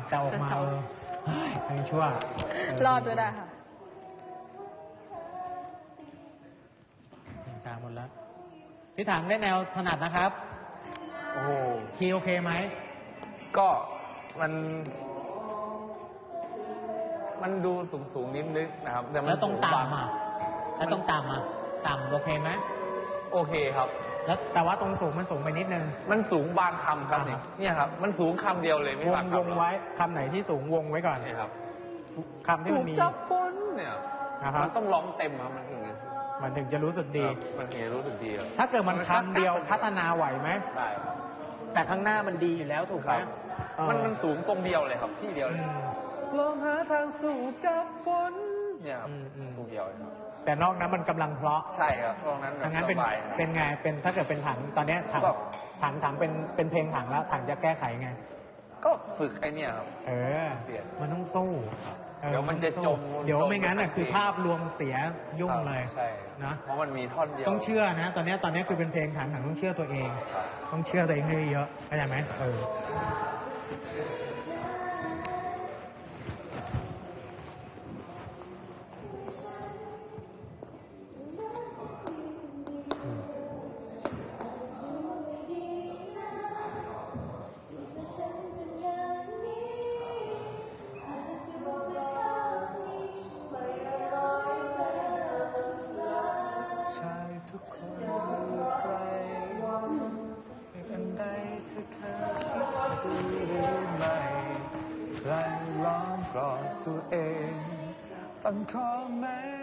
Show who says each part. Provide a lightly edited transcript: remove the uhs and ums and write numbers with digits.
Speaker 1: แต่ออกมายังชั่ว
Speaker 2: รอดด้วยได้ค่ะ
Speaker 1: จางหมดแล้วพี่ถังได้แนวถนัดนะครับ
Speaker 3: โอ้โห
Speaker 1: คีย์โอเคไหม
Speaker 3: ก็มันดูสูงนิดนึงนะครับแต่
Speaker 1: แล้วต้องต่ำต่ำโอเคไหม
Speaker 3: โอเคครับ
Speaker 1: แล้วแต่ว่าตรงสูงมันสูงไปนิดนึง
Speaker 3: มันสูงบางคำครับเนี่ยครับมันสูงคำเดียวเลยไม่บางคำ
Speaker 1: วงไว้คำไหนที่สูงวงไว้ก่อน
Speaker 3: นี่ครับ
Speaker 1: คำที่มันมี
Speaker 3: จับฝนเนี่ยมันต้องร้องเต็มครับ
Speaker 1: มันถึงจะรู้สึกดี
Speaker 3: มันถึงจะรู้สึกดี
Speaker 1: ถ้าเกิดมันคำเดียวพัฒนาไหวไหม
Speaker 3: ได้
Speaker 1: แต่ข้างหน้ามันดีอยู่แล้วถูกไหม
Speaker 3: มันสูงตรงเดียวเลยครับที่เดียวเลยลองหาทางสู่จับฝนเนี่ยตรงเดียว
Speaker 1: แต่นอกนั้นมันกำลังเพราะ
Speaker 3: ใช่ครับตรงนั้น
Speaker 1: ดังนั้นเป็นไงเป็นถ้าเกิดเป็นถังตอนนี้ถังเป็นเพลงถังแล้วถังจะแก้ไขไง
Speaker 3: ก็ฝึกไอเนี่ยครับ
Speaker 1: มันต้องสู้
Speaker 3: เดี๋ยวมันจะจม
Speaker 1: เดี๋ยวไม่งั้นคือภาพรวมเสียยุ่งเลย
Speaker 3: ใช่นะเพราะมันมีท่อนเดียว
Speaker 1: ต้องเชื่อนะตอนนี้คือเป็นเพลงถังต้องเชื่อตัวเองต้องเชื่อตัวเองให้เยอะเข้าใจไหม
Speaker 3: ทุกคนอยู่ไกลอันใดเธอเคยคิดดูหรือไม่ใครร้องกรอดตัวเองตั้งข้อแม้